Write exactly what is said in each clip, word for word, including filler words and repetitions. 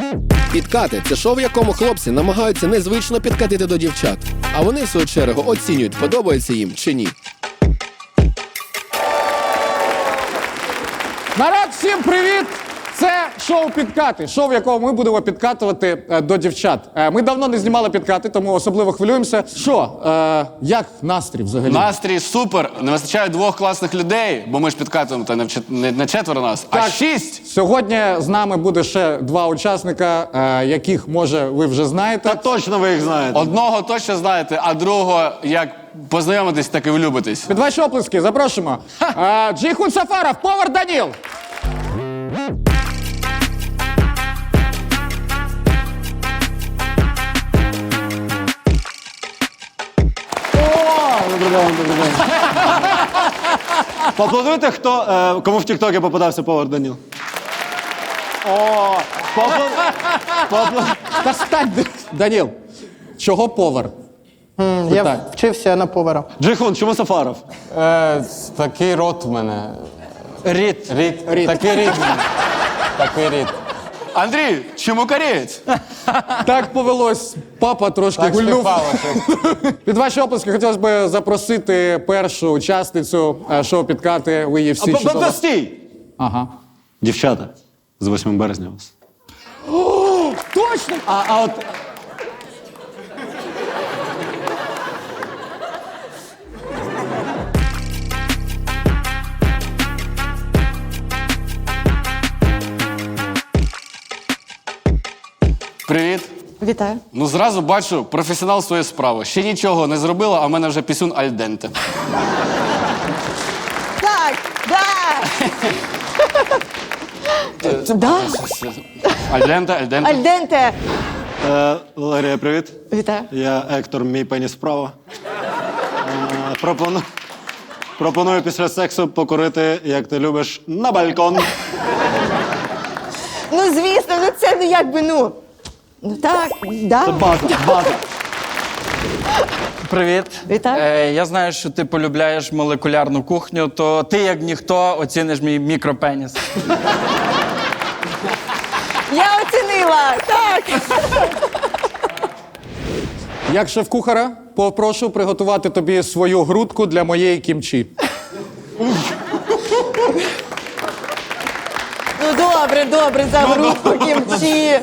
Підкати – це шоу, в якому хлопці намагаються незвично підкатити до дівчат. А вони, в свою чергу, оцінюють, подобається їм чи ні. Народ, всім привіт! Це шоу «Підкати», шоу, в якому ми будемо підкатувати е, до дівчат. Е, ми давно не знімали підкати, тому особливо хвилюємося. Що, е, як настрій взагалі? Настрій супер. Не вистачає двох класних людей, бо ми ж підкатуємо та не, в чет- не, не четверо нас, а Так. шість. Сьогодні з нами буде ще два учасника, е, яких, може, ви вже знаєте. Та точно ви їх знаєте. Одного точно знаєте, а другого, як познайомитись, так і влюбитись. Під ваші оплески запрошуємо. Е, Джейхун Сафаров, повар Даніл. Поаплодуйте, хто, е, кому в Тіктокі попадався повар Даніл. О, поапла- поапла- Та стань, Даніл. Чого повар? Я Питай. вчився на повара. Джейхун, чому Сафаров? Е, такий рот в мене. Рід. Рід. Рід. Такий рід. в мене. Такий рід. Андрій, чому кореєць? Так повелось. Папа трошки Так гульнув. співпало, що Під ваші оплески хотілося б запросити першу учасницю е, шоу «Підкати». Ви її всі чудово... Та стій! Ага. Дівчата, з восьмим березня вас. Точно! А, а от... Привіт. Вітаю. Ну, зразу бачу, професіонал своєї справи. Ще нічого не зробила, а в мене вже пісюн альденте. Так, да. Да? Альденте, альденте. Альденте. Е, Валерія, привіт. Вітаю. Я Ектор, мій пеніс справа. Е, пропоную, пропоную після сексу покурити, як ти любиш, на балкон. Ну, звісно, ну це ну якби ну. Ну так, да. База, база. Привіт. Вітаю. Е, я знаю, що ти полюбляєш молекулярну кухню, то ти, як ніхто, оціниш мій мікропеніс. Я оцінила. Так. Як шеф-кухара, попрошу приготувати тобі свою грудку для моєї кімчі. Ну добре, добре, за грудку кімчі.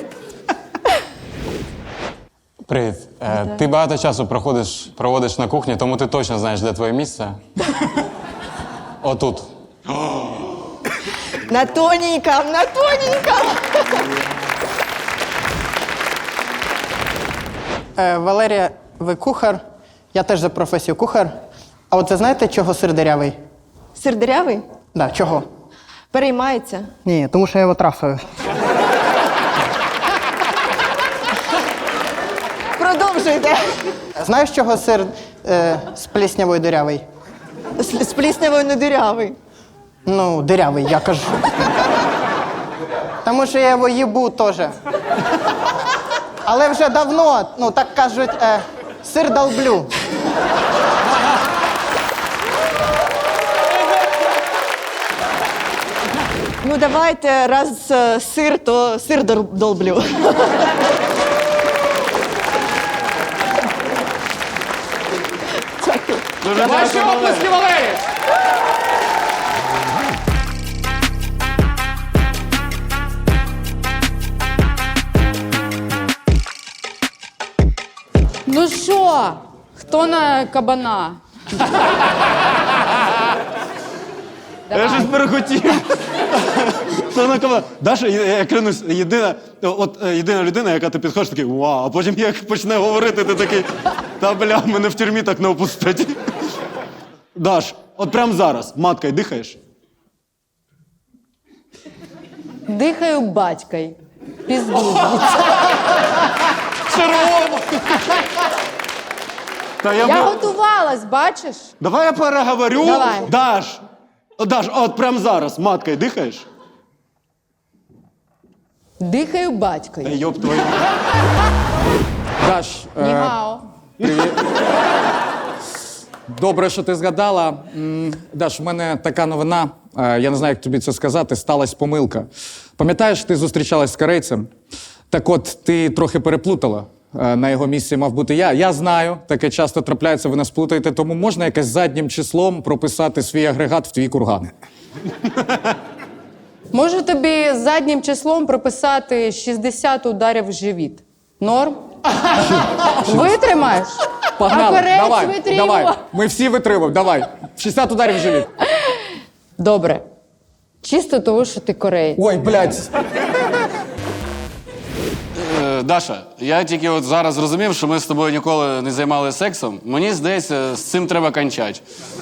Привіт. Е, ти багато часу проходиш, проводиш на кухні, тому ти точно знаєш, де твоє місце. Отут. На тоненьком, на тоненьком. Е, Валерія, ви кухар. Я теж за професію кухар. А от ви знаєте, чого сир дирявий? Сир дирявий? Да, чого? Переймається. Ні, тому що я його трафив. Продовжуйте. Знаєш, чого сир е, з пліснявою дирявий? З, з пліснявою не дирявий. Ну, дирявий, я кажу. Тому що я його їбу теж. Але вже давно, ну так кажуть, е, сир долблю. Ну давайте, раз е, сир, то сир дол- долблю. Дякую. Ваші оплески, Валерій! Ну що, хто на кабана? Я щось перехотів. Це на кого? Даша, я, я клянусь, єдина, от е, єдина людина, яка ти підходиш, такий вау, а потім як почне говорити, ти такий, та бля, мене в тюрмі так не опустять. Даш, от прямо зараз, маткою дихаєш? Дихаю батькой. Пізду. Червоно! Та я, Я би- готувалась, бачиш? Давай я переговорю. Давай. Даш, О, Даш, от прямо зараз, маткою дихаєш? Дихаю Та батькою. йоп твою. Даш, е, Нігао. добре, що ти згадала. М, Даш, в мене така новина, е, я не знаю, як тобі це сказати, сталася помилка. Пам'ятаєш, ти зустрічалась з корейцем? Так от, ти трохи переплутала. Е, На його місці мав бути я. Я знаю, таке часто трапляється, ви нас плутаєте, тому можна якось заднім числом прописати свій агрегат в твій курган. Можу тобі заднім числом прописати шістдесят ударів в живіт. Норм? Витримаєш? Погнали, А корець давай, витримував. давай. Ми всі витримуємо, давай. шістдесят ударів в живіт. Добре. Чисто того, що ти кореєць. Ой, блядь. Е, Даша, я тільки от зараз зрозумів, що ми з тобою ніколи не займалися сексом. Мені здається, з цим треба кончати.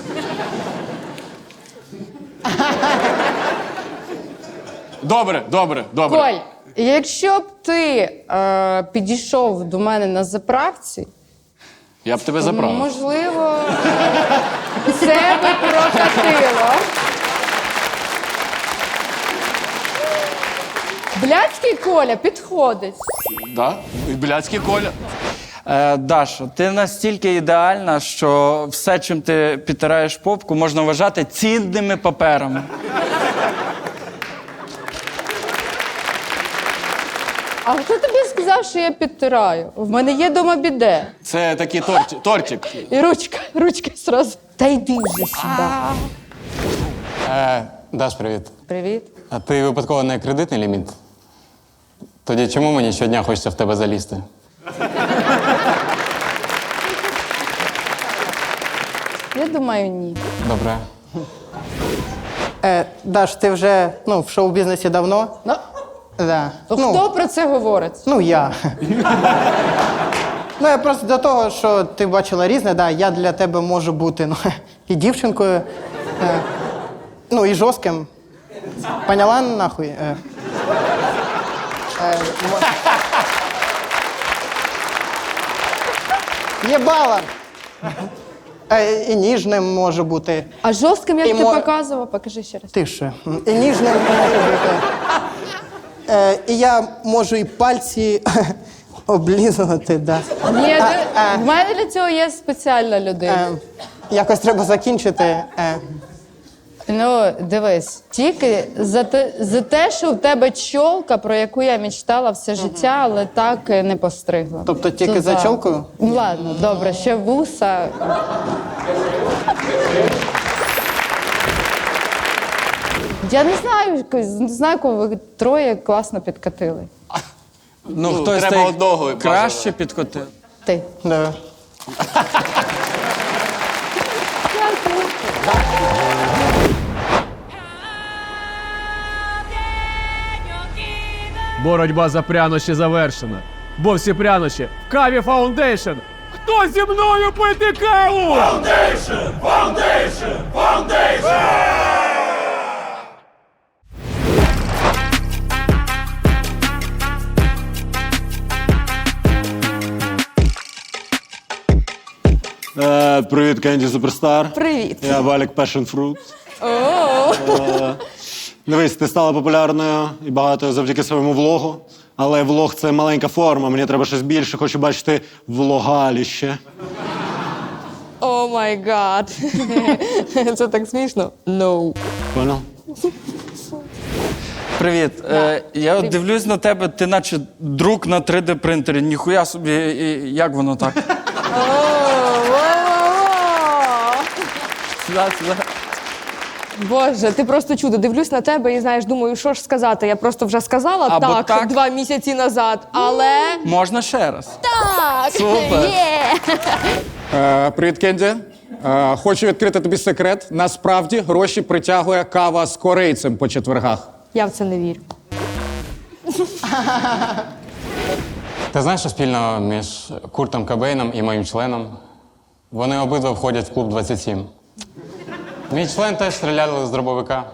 Добре, добре, добре. Коль, якщо б ти е, підійшов до мене на заправці, Я б тебе заправив. можливо, це би прокатило. Блядський Коля підходить. Да? І блядський Коля. Е, Даша, ти настільки ідеальна, що все, чим ти підтираєш попку, можна вважати цінними паперами. А хто тобі сказав, що я підтираю? В мене є дома біде. Це такий торт, тортик. І ручка, ручка зразу. Та йди вже сюди. Е, Даш, привіт. Привіт. А ти випадково не кредитний ліміт? Тоді чому мені щодня хочеться в тебе залізти? Я думаю, ні. Добре. Е, Даш, ти вже ну, в шоу-бізнесі давно? Ну, Да. то Ну, хто про це говорить? ну, я. Ну, я просто до того, що ти бачила різне, да, я для тебе можу бути ну, і дівчинкою, е, ну, і жорстким. Поняла нахуй? Е, е, мо- Єбала! Е, і ніжним може бути. А жорстким, як І ти мо- показував, покажи ще раз. Тише. І ніжним може бути. Е, і я можу і пальці облізувати, да. Ні, А, ти- а. в мене для цього є спеціальна людина. Е, якось треба закінчити. Е, Ну, дивись, тільки за те, за те, що в тебе чолка, про яку я мечтала все життя, але так і не постригла. тобто тільки То за да. чолкою? Ну, ладно, добре, ще вуса. Я не знаю, якось- не знаю, кого ви троє класно підкатили. Ну, Ну, хтось треба та й одного краще бажано. підкотив. Ти. Да. Боротьба за прянощі завершена. Бо всі прянощі в каві Фаундейшн. Хто зі мною пити каву? Фаундейшн! Фаундейшн! Фаундейшн! Е, привіт, Кенді Суперстар. Привіт. Я Валік Passion Fruit. Е, Дивись, ти стала популярною і багатою завдяки своєму влогу. Але влог це маленька форма, мені треба щось більше, хочу бачити влогаліще. О май гад. Це так смішно. No. Понял? Привіт. Е, я от дивлюсь на тебе, ти наче друк на три де принтері. Ніхуя собі, і- як воно так? Сюди, сюди. Боже, ти просто чудо. Дивлюсь на тебе і знаєш, думаю, що ж сказати. Я просто вже сказала Або так, так. два місяці назад, але Можна ще раз. так. Супер. Є. Е, привіт, Кенді. Е, хочу відкрити тобі секрет. Насправді гроші притягує кава з корейцем по четвергах. Я в це не вірю. Ти знаєш, що спільного між Куртом Кобейном і моїм членом? Вони обидва входять в клуб двадцять сім. Мій член теж стріляли з дробовика.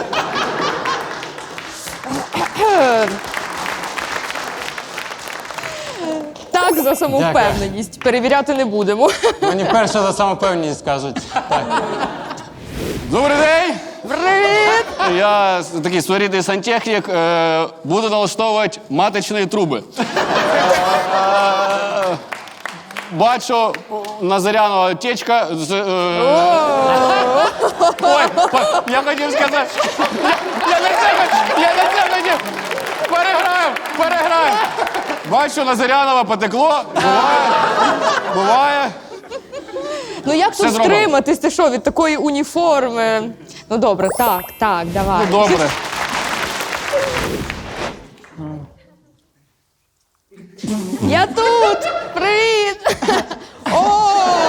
Так, за самовпевненість. Перевіряти не будемо. Мені перше за самопевність кажуть. Так. Добрий день! Привіт! Я с- такий своєрідний сантехнік. Е, буду налаштовувати маточні труби. Е, Бачу на Заряного течка. з, е, Ой, по- я хотів сказати. Я на це, я на це хотів. Переграємо, переграємо. Бачу, на Зарянова потекло. Буває. Буває. Ну як Все тут зробимо. стриматись? Ти що, від такої уніформи? Ну добре, так, так, давай. Ну, добре. Я тут! Привіт! О!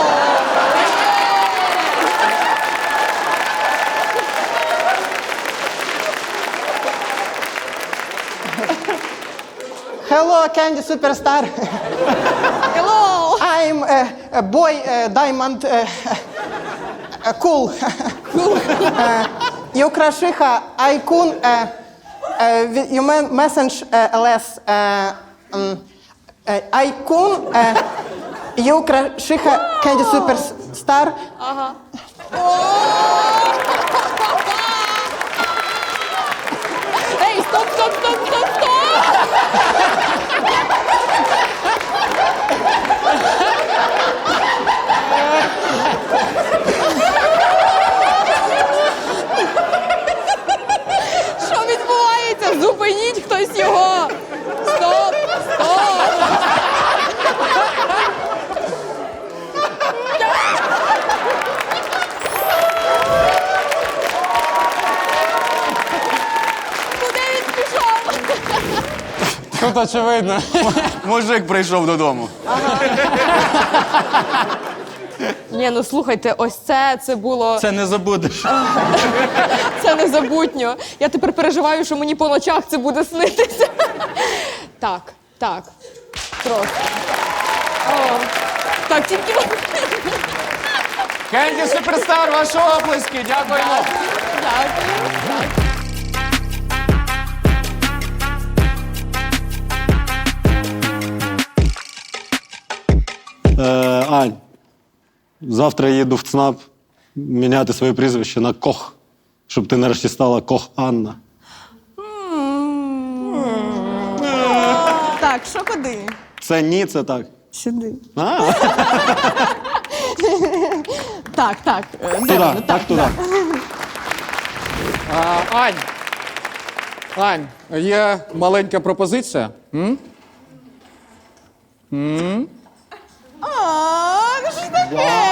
Hello, Candy Superstar. Hello! I'm a, a boy uh, diamond uh, uh, cool. uh, you крашиха айкун uh, uh, you me- message uh, less uh, um, uh, айкун uh, you крашиха Candy Superstar. Ей, стоп, стоп, стоп, стоп, стоп! Що відбувається? Зупиніть хтось його! Стоп! Стоп! Куди він пішов? Тут очевидно. Мужик прийшов додому. Ні, ну слухайте, ось це, це було... Це не забудеш. Це незабутньо. Я тепер переживаю, що мені по ночах це буде снитися. Так, так. Просто. О, так, тільки... Кенді Суперстар, ваші оплески. Дякуємо. Дякую. Е, Ань, завтра я їду в ЦНАП міняти своє прізвище на Кох, щоб ти нарешті стала Кох Анна. Так, що куди? Це ні, це так. Сюди. А, Так, так. е, де туди, воно? так, туди. А, Ань, Ань, є маленька пропозиція. М? О, ну що таке?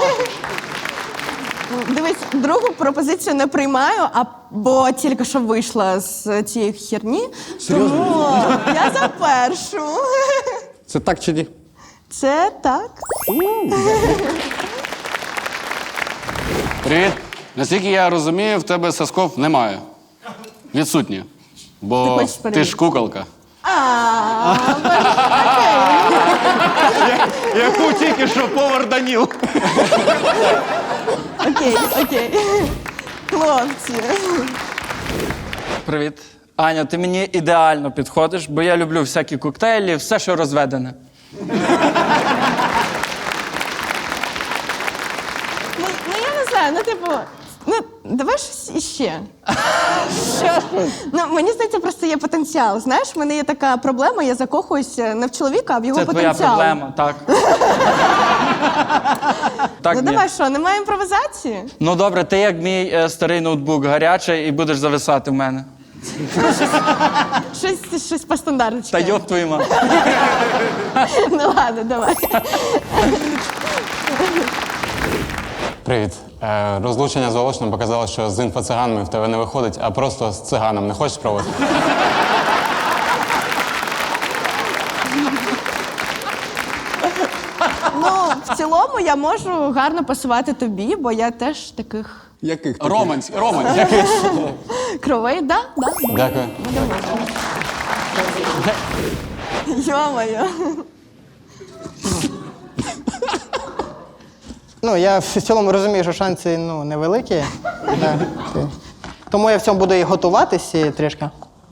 Дивись, другу пропозицію не приймаю, а бо тільки що вийшла з цієї херні. Тому я за першу. Це так чи ні? Це так. Привіт. Наскільки я розумію, в тебе сосков немає. Відсутні. Ти Бо хочеш ти перевірити? ж куколка. А, Яку тільки що повар Даніл. окей, окей. Хлопці. Привіт. Аня, ти мені ідеально підходиш, бо я люблю всякі коктейлі, все, що розведене. Ну, ну я не знаю, ну типу, ну давай щось іще. Що? Ну мені здається, просто є потенціал. Знаєш, в мене є така проблема, я закохуюся не в чоловіка, а в його Це твоя потенціал. проблема, так. Так, Ну ні. давай що, немає імпровізації? Ну добре, ти як мій е, старий ноутбук гарячий і будеш зависати в мене. Щось, щось по стандарту. Та йоб твою мать. Ну ладно, давай. Привіт. Е, розлучення з Волошином показало, що з інфоциганами в тебе не виходить, а просто з циганом. Не хочеш спробувати? Ну, в цілому я можу гарно пасувати тобі, бо я теж таких Яких? Романсь, романсь. кровей, да? Да? Дякую. Йо-моє. Ну, я в цілому розумію, що шанси ну, невеликі. Да. Тому я в цьому буду і готуватись і трішки.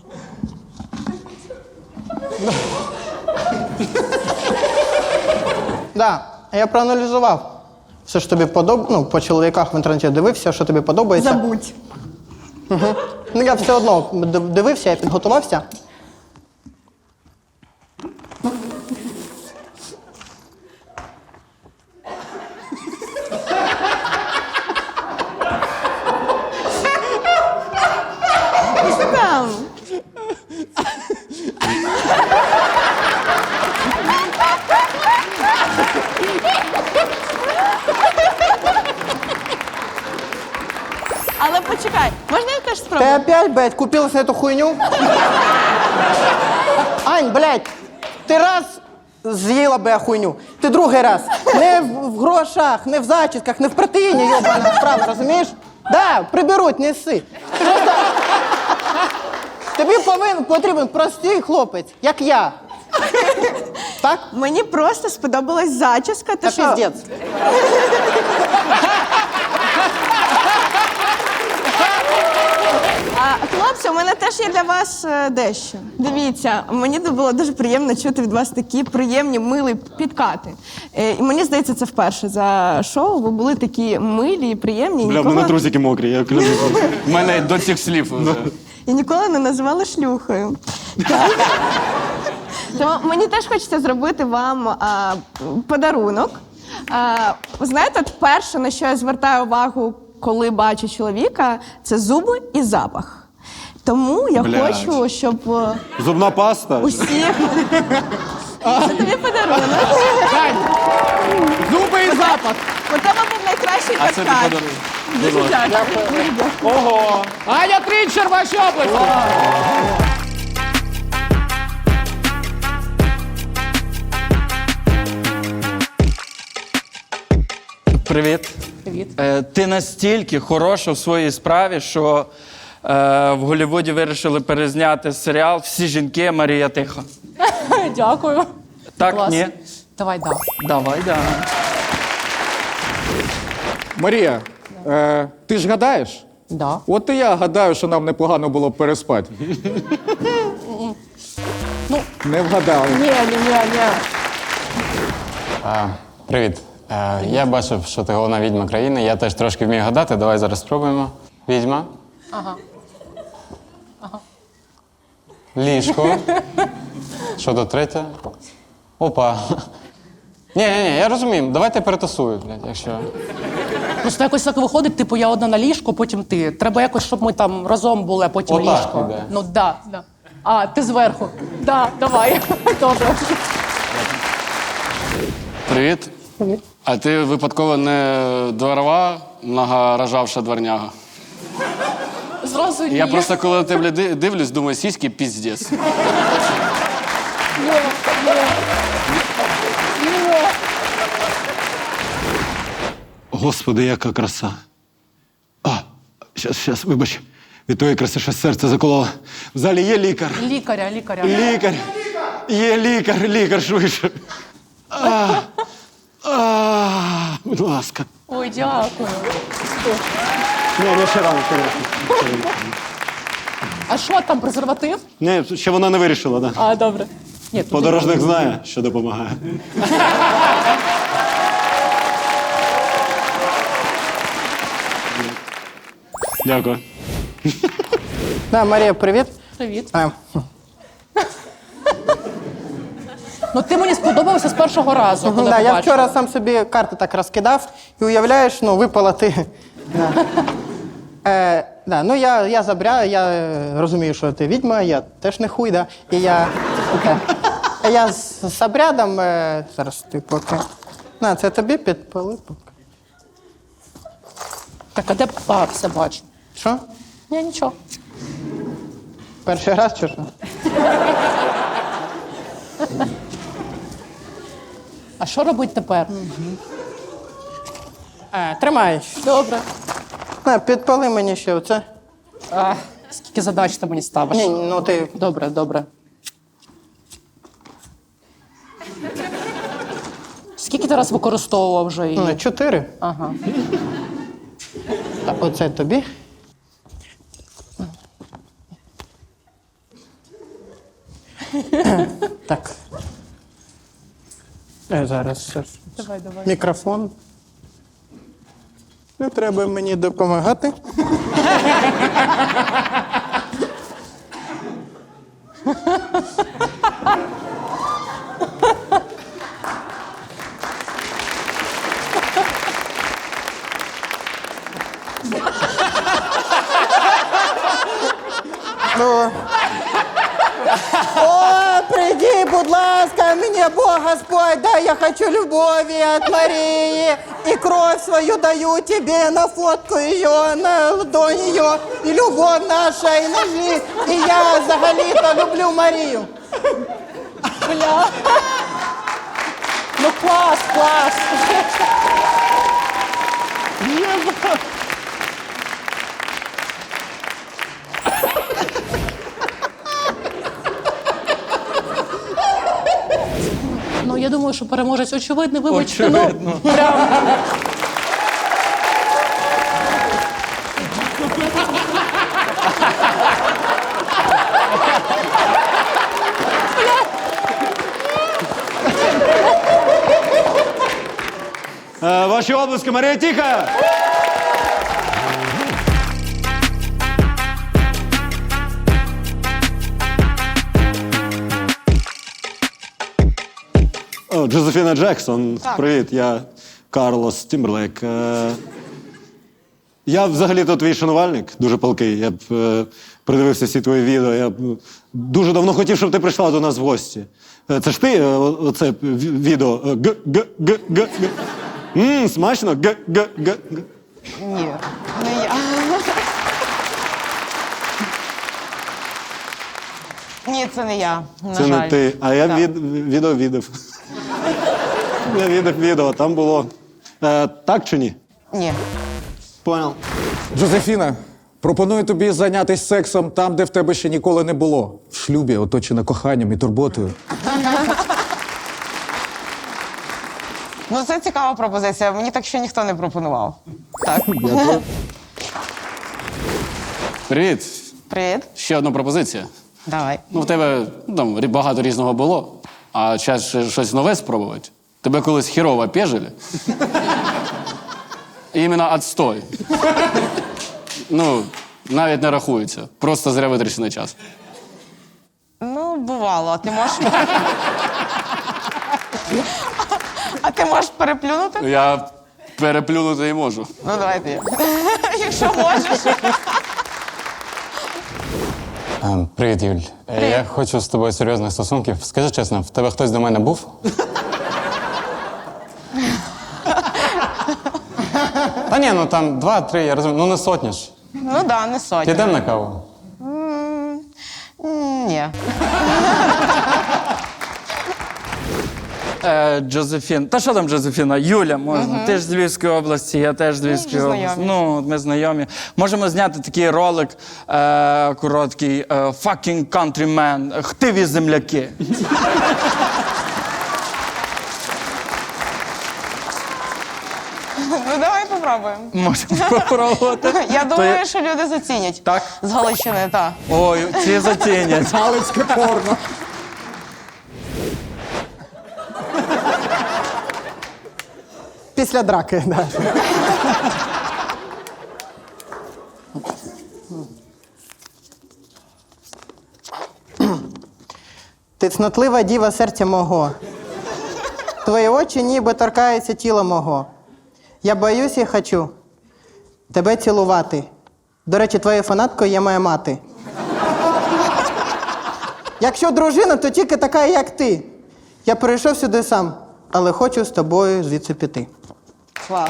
Да, я проаналізував. Все ж тобі подобається. Ну, по чоловіках в інтернеті дивився, що тобі подобається. Забудь. Ну, я все одно д- дивився, я підготувався. Що там? Ты опять, блядь, купилась на эту хуйню? Ань, блядь, ти раз з'їла б я хуйню, ти другий раз. Не в, в грошах, не в зачісках, не в протеїні, йобана справа, розумієш? Да, приберуть, неси. Просто тобі повинен, потрібен простий хлопець, як я. Так? Мені просто сподобалась зачіска. Ти Та що? піздець. А, хлопці, у мене теж є для вас е, дещо. Дивіться, мені було дуже приємно чути від вас такі приємні, милі підкати. Е, і мені здається, це вперше за шоу. Ви були такі милі і приємні. і Бля, в нікого, мене трусики мокрі, я клянусь. У мене до цих слів вже. і ніколи не називали шлюхою. Так? Тому мені теж хочеться зробити вам а, подарунок. А, ви знаєте, от перше, на що я звертаю увагу, коли бачу чоловіка, це зуби і запах. Тому я Блядь. хочу, щоб е, Зубна паста. усіх... Це тобі подарунок. Зуби і запах. У тебе був найкращий А це ти підкат. подарунок. Дуже дякую. Ого. Аня Трінчер, ваші області. Привіт. Привіт. Е, ти настільки хороша в своїй справі, що е, в Голлівуді вирішили перезняти серіал «Всі жінки Марія Тиха». Дякую. Так, Клас. ні? Давай, да. Давай, да. Марія, е, ти ж гадаєш? Да. От і я гадаю, що нам непогано було б переспати. Ну. Не вгадали. Ні, ні, ні, ні. А, привіт. Е, я бачив, що ти головна відьма країни. Я теж трошки вмію гадати. Давай зараз спробуємо. Відьма. Ага. Ліжко. Що тут третє? Опа. Ні, ні, ні, я розумію. Давайте перетасую, блядь, якщо. Просто якось так виходить, типу, я одна на ліжку, потім ти. Треба якось, щоб ми там разом були, а потім Отак ліжко. іде. Ну, да, да. А, ти зверху. Да, давай. Добре. Привіт. Привіт. А ти випадково не дворова, многорожавша дворняга? Зразу ні. Я просто коли на тебе ди- дивлюсь, думаю, сіськи піздець. Ні, ні. Ні. Господи, яка краса. А, щас, щас, вибач. Від твоєї краси щось серце закололо. В залі є лікар. Лікаря, лікаря. Лікар. Є лікар, лікар швидше. А, а, будь ласка. Ой, дякую. Ні, ні, ще рано, ще рано. А що там, презерватив? Ні, ще вона не вирішила, так. Да. А, добре. Ні, туди. Подорожник знає, що допомагає. Дякую. Да, Марія, привіт. Привіт. А, Ну ти мені сподобався з першого разу, коли да, я побачила. вчора сам собі карти так розкидав і уявляєш, ну, випала ти. Да. Е, да, ну я, я забря, я е, розумію, що ти відьма, я теж не хуй, да. І я. Да. А я з, з обрядом. Е, зараз ти поки. На, це тобі підпали поки. Так, а де а, все бачу. Що? Ні, нічого. Перший раз чи що? А що робити тепер? Е, тримай. Добре. На, підпали мені ще оце. А, скільки задач ти мені ставиш? Ні, ну ти. Добре, добре. Скільки ти раз використовував вже її? Ну, чотири. Ага. А оце тобі. Так. Е, зараз. зараз. Давай, давай. Мікрофон. Не треба мені допомагати. Ну. О, прийди, будь ласка, мені мне Бог Господь, да, я хочу любови от Марии, и кровь свою даю тебе на фотку ее, на ладонь ее, и любовь наша, и на жизнь, и я взагалі-то люблю Марію. Бля. Ну клас, клас. Ну, я думаю, що переможець очевидний, вибачте. Очевидно. Ну, прям. Е, Ваші обласки, Марія Тіха! О, Джозефіна Джексон, привіт, я Карлос Тімберлейк. Е, Я взагалі-то твій шанувальник, дуже палкий. Я б е, придивився всі твої відео. Я б дуже давно хотів, щоб ти прийшла до нас в гості. Е, Це ж ти, е, о- оце ві- відео. е, Г, г, г, г, г. Ммм, смачно. Г, г, г, г. Ні, не я. Ні, це не я. На Це жаль. не ти. А я Так. від, відео відав. Я відав відео, там було. Е, так чи ні? Ні. Понял. Джозефіна, пропоную тобі зайнятися сексом там, де в тебе ще ніколи не було. В шлюбі, оточена коханням і турботою. Ну, це цікава пропозиція. Мені так ще ніхто не пропонував. Так. Привіт. Привіт. Ще одна пропозиція. Давай. Ну, в тебе ну, там рі- багато різного було, а час ще щось нове спробувати. Тебе колись хірово пежили. Іменно отстой. Ну, навіть не рахується. Просто зря витрачений час. Ну, бувало. А ти можеш. А ти можеш переплюнути? Я переплюнути і можу. Ну, давай ти. Якщо можеш. Ем, Привіт, Юль. Е, Я хочу з тобою серйозних стосунків. Скажи чесно, в тебе хтось до мене був? Та ні, ну там два-три, я розумію. Ну не сотні ж. Ну так, да, не сотня. Підемо на каву? М, м, Ні. Е, Джозефін. Та що там Джозефіна? Юля, можна. Ти ж з Львівської області, я теж з Львівської вже області. знайомі. Ну, ми знайомі. Можемо зняти такий ролик е, короткий. Е, Fucking countryman. Хтиві земляки. Ну, давай попробуємо. Можемо попробувати. Я То думаю, що люди зацінять. Так? З Галичини, так. Ой, ці зацінять. Галицьке порно. Після драки, да. Ти цнотлива діва серця мого. Твої очі ніби торкаються тіла мого. Я боюсь і хочу тебе цілувати. До речі, твоєю фанаткою є моя мати. Якщо дружина, то тільки така, як ти. Я прийшов сюди сам, але хочу з тобою звідси піти. Клас.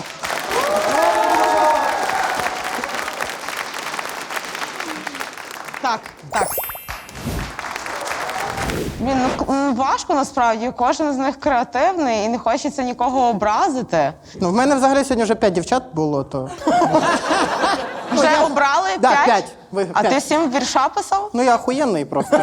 Так, так. Блін, ну к- м, важко насправді. Кожен з них креативний і не хочеться нікого образити. Ну, в мене взагалі сьогодні вже п'ять дівчат було, то. Вже обрали Да, п'ять? п'ять. Ви- А п'ять. ти сім вірша писав? Ну, я охуєнний просто.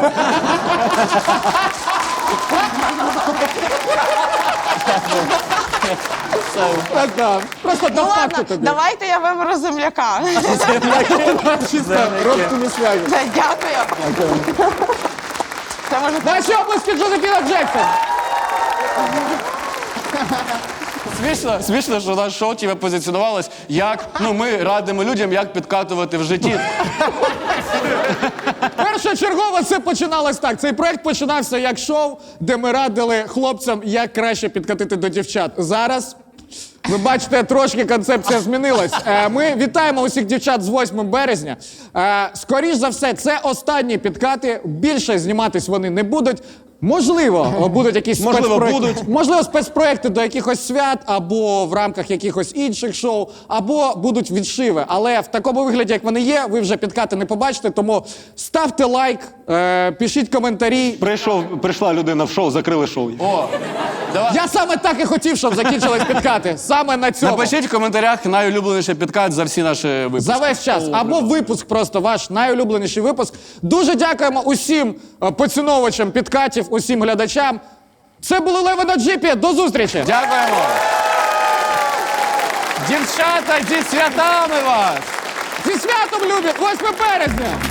Так, да. Просто Ну до факту ладно, тобі. давайте я виберу земляка. Чисто родственні зв'язки. Все, Дякую. Це може Наші обласки Джозефіна Джексон. Смішно, смішно, що наше шоу тебе позиціонувалось як, ну, ми радимо людям, як підкатувати в житті. Першочергово це починалось так. Цей проект починався як шоу, де ми радили хлопцям, як краще підкатити до дівчат. Зараз, ви бачите, трошки концепція змінилась. Е, Ми вітаємо усіх дівчат з восьмим березня. Е, Скоріш за все, це останні підкати. Більше зніматись вони не будуть. Можливо, о, будуть якісь Можливо, спецпроекти. будуть. Можливо, спецпроекти до якихось свят, або в рамках якихось інших шоу, або будуть відшиви. Але в такому вигляді, як вони є, ви вже підкати не побачите, тому ставте лайк, е, пишіть коментарі. Прийшов, прийшла людина в шоу, закрили шоу. О, давай. Я саме так і хотів, щоб закінчились підкати. Саме на цьому. Напишіть в коментарях найулюбленіший підкат за всі наші випуски. За весь час. Або випуск просто, ваш найулюбленіший випуск. Дуже дякуємо усім е, поціновувачам підкатів, усім глядачам. Це були Леви на джипі. До зустрічі! Дякуємо. Дівчата, зі святами вас! Зі святом, любі! восьме березня!